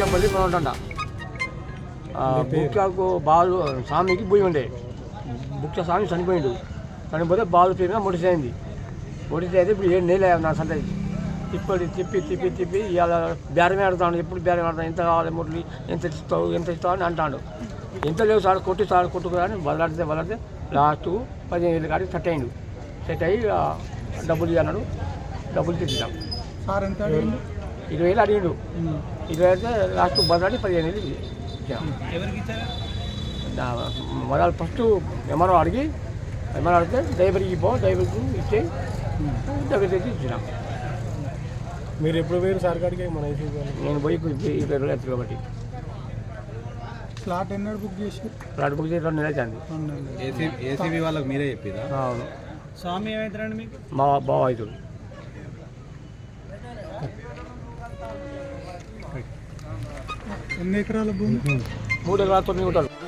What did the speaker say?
బుక్యాపల్లి మనం ఉంటుండ బుక్యాకు బాలు స్వామికి భూమి ఉండే బుక్య స్వామి చనిపోతే బాలు పేరుగా ముడిసైంది అయితే ఇప్పుడు 7 నెలలు నా సంతతి తిప్పి ఇవాళ బేరమే ఆడుతాడు ఎప్పుడు బేరం ఆడతాను ఎంత కావాలి మురళి ఎంత ఇస్తావు అని అంటాడు ఎంత లేవు సార్ కొట్టుకుని వదలాడితే లాస్ట్ 15,000 కాడికి సెట్ అయ్యి డబ్బులు ఇవ్వన్నాడు డబ్బులు తెచ్చిద్దాం సార్ ఎంత 20,000 అడిగిండు 20 అయితే లాస్ట్ బదలాడి 15,000 ఇచ్చాం మొదలు ఫస్ట్ ఎంఆర్ఓ అడిగితే డ్రైవర్కి ఇచ్చి దగ్గర తెచ్చి ఇచ్చినాం. మీరు ఎప్పుడు పోయారు సార్ కాడికి? మన నేను పోయి 20 రోజులు అవుతుంది కాబట్టి ఫ్లాట్ ఎన్నడు బుక్ చేసి 2 నెలలు అవుతుంది. ఏసీబీ వాళ్ళకి మీరే చెప్పిరా? అవును. స్వామి ఏమవుతారండి మీకు? మా బావ అవుతుంది. ఎన్ని ఎకరాల భూమి? 3 ఎకరాలు 9 గుంటలు.